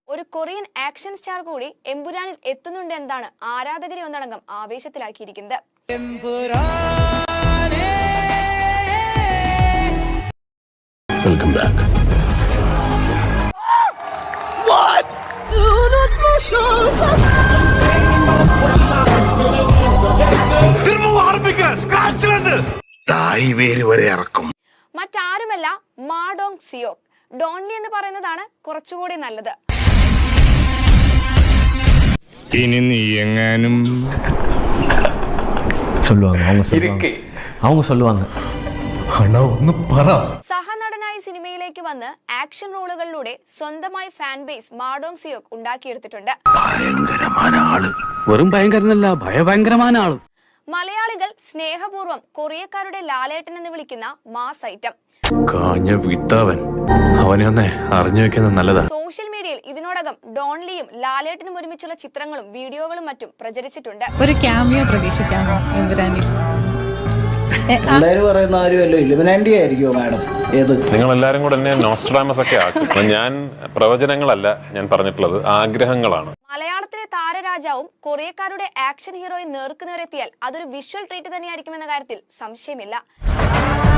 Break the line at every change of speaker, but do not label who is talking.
ഒരു Korean action star കൂടി എമ്പുരാനിൽ എത്തുന്നുണ്ട് എന്നാണ് ആരാധകരെ ഒന്നടങ്കം ആവേശത്തിലാക്കിയിരിക്കുന്നത്.
Welcome back. What?
മറ്റാരുമല്ല മാ ഡോങ് സിയോക്. ഡോൺലി എന്ന് പറയുന്നതാണ് കുറച്ചുകൂടി നല്ലത്.
ഇനി നീ എങ്ങാനും
സഹനടനായി സിനിമയിലേക്ക് വന്ന് ആക്ഷൻ റോളുകളിലൂടെ സ്വന്തമായി fan base Ma Dong Seok ഉണ്ടാക്കിയെടുത്തിട്ടുണ്ട്.
വെറും ഭയങ്കരനല്ല, ഭയഭയങ്കരമായ ആള്.
മലയാളികൾ സ്നേഹപൂർവ്വം കൊറിയക്കാരുടെ ലാലേട്ടൻ എന്ന് വിളിക്കുന്ന മാസ് ഐറ്റം. സോഷ്യൽ മീഡിയയിൽ ഇതിനോടകം ഡോൺലിയും ലാലേട്ടനും ഒരുമിച്ചുള്ള ചിത്രങ്ങളും വീഡിയോകളും മറ്റും പ്രചരിച്ചിട്ടുണ്ട്.
ഒരു ക്യാമിയോ പ്രതീക്ഷിക്കാമോ എമ്പുരാനിൽ?
നിങ്ങൾ എല്ലാരും കൂടെ എന്നെ നോസ്ട്രാഡാമസ് ഒക്കെ ആക്കും. ഞാൻ പ്രവചനങ്ങളല്ല ഞാൻ പറഞ്ഞിട്ടുള്ളത്, ആഗ്രഹങ്ങളാണ്.
മലയാളത്തിലെ താരരാജാവും കൊറിയക്കാരുടെ ആക്ഷൻ ഹീറോയും നേർക്കുനേരെത്തിയാൽ അതൊരു വിഷ്വൽ ട്രീറ്റ് തന്നെയായിരിക്കുമെന്ന കാര്യത്തിൽ സംശയമില്ല.